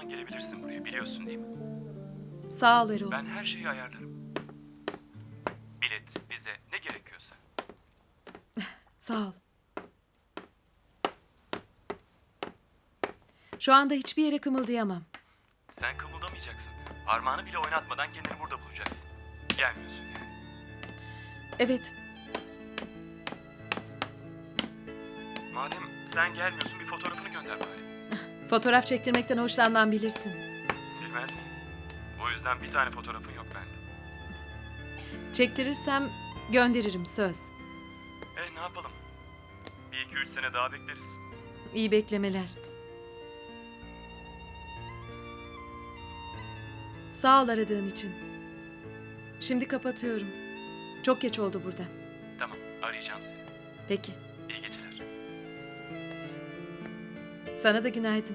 zaman gelebilirsin buraya, biliyorsun değil mi? Sağ ol Erol. Ben her şeyi ayarlarım. Bilet, vize, ne gerekiyorsa. Sağ ol. Şu anda hiçbir yere kımıldayamam. Sen kımıldamayacaksın. Parmağını bile oynatmadan kendini burada bulacaksın. Gelmiyorsun yani. Evet, Madem sen gelmiyorsun, bir fotoğrafını gönder bari. fotoğraf çektirmekten hoşlanmam bilirsin. Bilmez miyim? O yüzden bir tane fotoğrafın yok bende. Çektirirsem gönderirim, söz. Ne yapalım? Bir iki üç sene daha bekleriz. İyi beklemeler. Sağ ol aradığın için. Şimdi kapatıyorum. Çok geç oldu burada. Tamam, arayacağım seni. Peki. İyi geceler. Sana da günaydın.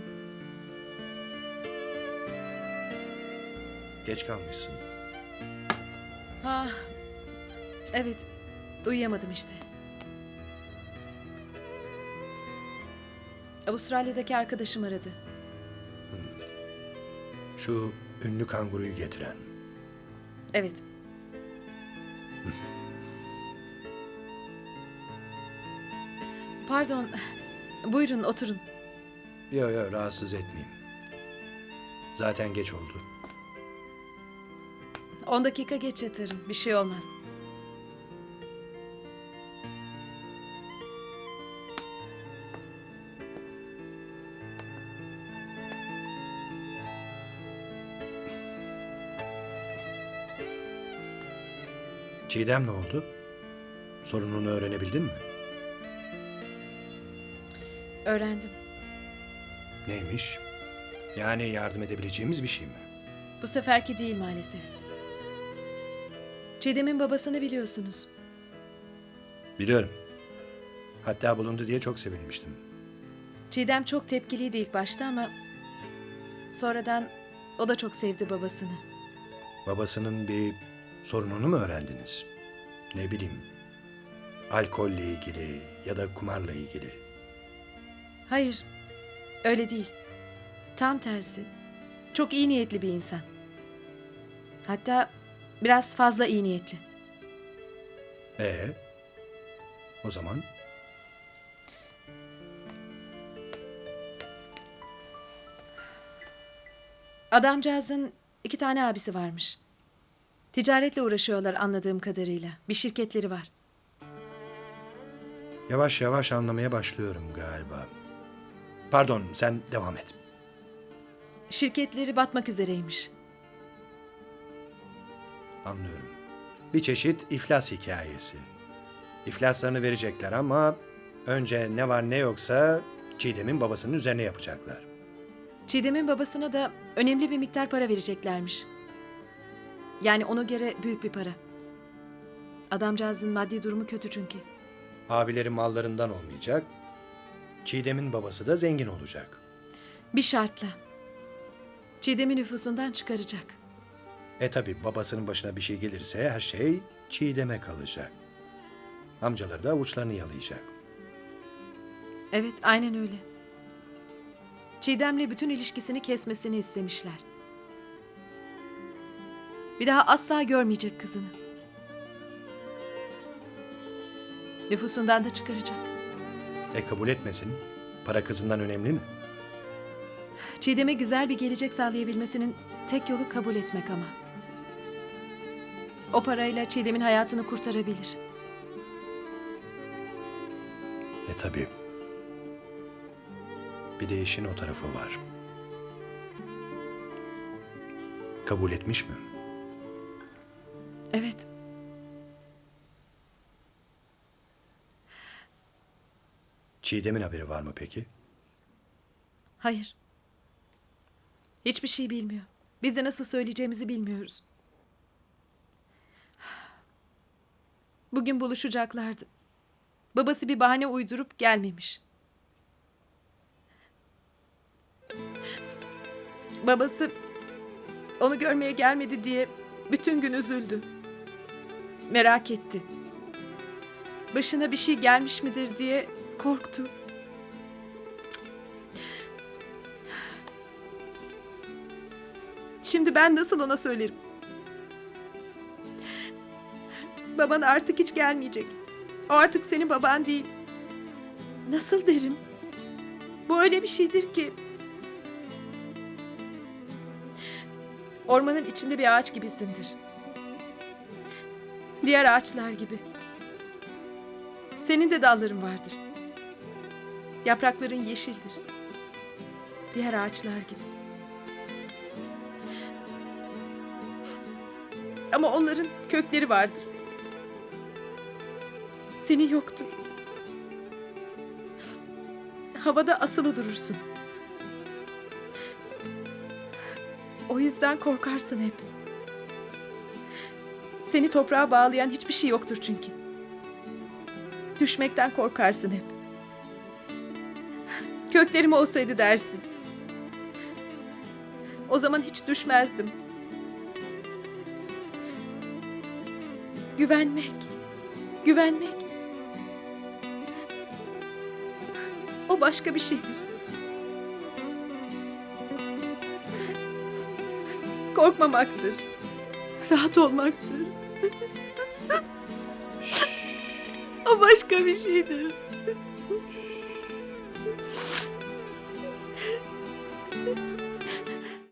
Geç kalmışsın. Ha, evet. Uyuyamadım işte. Avustralya'daki arkadaşım aradı. Şu ünlü kanguruyu getiren. Evet. Pardon. Buyurun oturun. Yok rahatsız etmeyeyim. Zaten geç oldu. 10 dakika geç yatarım. Bir şey olmaz. Çiğdem ne oldu? Sorununu öğrenebildin mi? Öğrendim. Neymiş? Yani yardım edebileceğimiz bir şey mi? Bu seferki değil maalesef. Çiğdem'in babasını biliyorsunuz. Biliyorum. Hatta bulundu diye çok sevinmiştim. Çiğdem çok tepkiliydi ilk başta ama sonradan o da çok sevdi babasını. Babasının bir sorununu mu öğrendiniz? Ne bileyim. Alkolle ilgili ya da kumarla ilgili. Hayır, öyle değil. Tam tersi. Çok iyi niyetli bir insan. Hatta biraz fazla iyi niyetli. Ee? O zaman Adamcağızın 2 tane abisi varmış. Ticaretle uğraşıyorlar anladığım kadarıyla. Bir şirketleri var. yavaş yavaş anlamaya başlıyorum galiba. Pardon, sen devam et. Şirketleri batmak üzereymiş. Anlıyorum. Bir çeşit iflas hikayesi. İflaslarını verecekler ama önce ne var ne yoksa Çiğdem'in babasının üzerine yapacaklar. Çiğdem'in babasına da önemli bir miktar para vereceklermiş. Yani ona göre büyük bir para. Adamcağızın maddi durumu kötü çünkü. Abileri mallarından olmayacak. Çiğdem'in babası da zengin olacak. Bir şartla. Çiğdem'i nüfusundan çıkaracak. Tabi babasının başına bir şey gelirse her şey Çiğdem'e kalacak. Amcaları da avuçlarını yalayacak. Evet, aynen öyle. Çiğdem'le bütün ilişkisini kesmesini istemişler. Bir daha asla görmeyecek kızını. Nüfusundan da çıkaracak. Kabul etmesin. Para kızından önemli mi? Çiğdem'e güzel bir gelecek sağlayabilmesinin tek yolu kabul etmek ama. O parayla Çiğdem'in hayatını kurtarabilir. Tabii. Bir de işin o tarafı var. Kabul etmiş mi? Evet. Çiğdem'in haberi var mı peki? Hayır. Hiçbir şey bilmiyor. Biz de nasıl söyleyeceğimizi bilmiyoruz. Bugün buluşacaklardı. Babası bir bahane uydurup gelmemiş. Babası onu görmeye gelmedi diye bütün gün üzüldü. Merak etti. Başına bir şey gelmiş midir diye korktu. Şimdi ben nasıl ona söylerim? Baban artık hiç gelmeyecek. O artık senin baban değil. Nasıl derim? Bu öyle bir şeydir ki. Ormanın içinde bir ağaç gibisindir. Diğer ağaçlar gibi. Senin de dalların vardır. Yaprakların yeşildir. Diğer ağaçlar gibi. Ama onların kökleri vardır. Senin yoktur. Havada asılı durursun. O yüzden korkarsın hep. Seni toprağa bağlayan hiçbir şey yoktur çünkü. Düşmekten korkarsın hep. Köklerim olsaydı dersin. O zaman hiç düşmezdim. Güvenmek. Güvenmek. O başka bir şeydir. Korkmamaktır. Rahat olmaktır. O başka bir şeydir.